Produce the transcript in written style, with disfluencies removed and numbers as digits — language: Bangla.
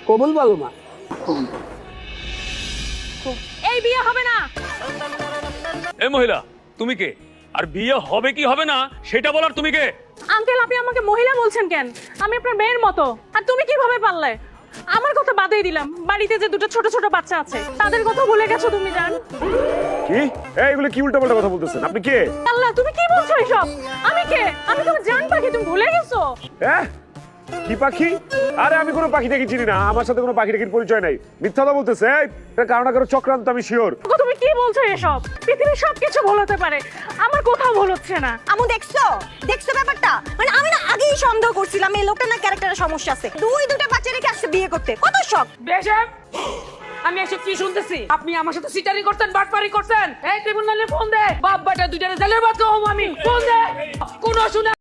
কবুল বলো মা। এই বিয়ে হবে না। এ মহিলা, তুমি কে? আর বিয়ে হবে কি হবে না সেটা বলার তুমি কে? আঙ্কেল, আপনি আমাকে মহিলা বলছেন কেন? আমি আপনার মেয়ের মতো। আর তুমি কিভাবে পারলে? আমার কথা বাদেই দিলাম, বাড়িতে যে দুটো ছোট ছোট বাচ্চা আছে তাদের কথা ভুলে গেছো তুমি জান? কি এইগুলো কি উল্টাপাল্টা কথা বলতেছেন? আপনি কে? আল্লাহ, তুমি কি বলছো এসব? আমি কে? আমি তোমার জান পাখি, তুমি ভুলে গেছো? হ্যাঁ, কি পাখি? আরে আমি কোনো পাখি দেখি চিনি না, আমার সাথে কোনো পাখি দেখির পরিচয় নাই। মিথ্যা কথা বলতেছে। এটা কারো না কারো চক্রান্ত, আমি শিওর। ওগো, তুমি কি বলছো এসব? পৃথিবীর সবকিছু ভুল হতে পারে, আমার কোথাও ভুল হচ্ছে না। আমু দেখছো দেখছো ব্যাপারটা? মানে আমি না আগেই সন্দেহ করছিলাম এই লোকটা না ক্যারেক্টারের সমস্যা আছে। দুটা বাচ্চা রেখে আসছে বিয়ে করতে, কত শখ। বেশক আমি এসব কি শুনতেছি? আপনি আমার সাথে সিটারি করছেন, বাটপারি করছেন। এই ট্রিবিউনালে ফোন দে, বাপ বেটা দুইটারে জেলের বাদ করব আমি। ফোন দে, কোন শুনে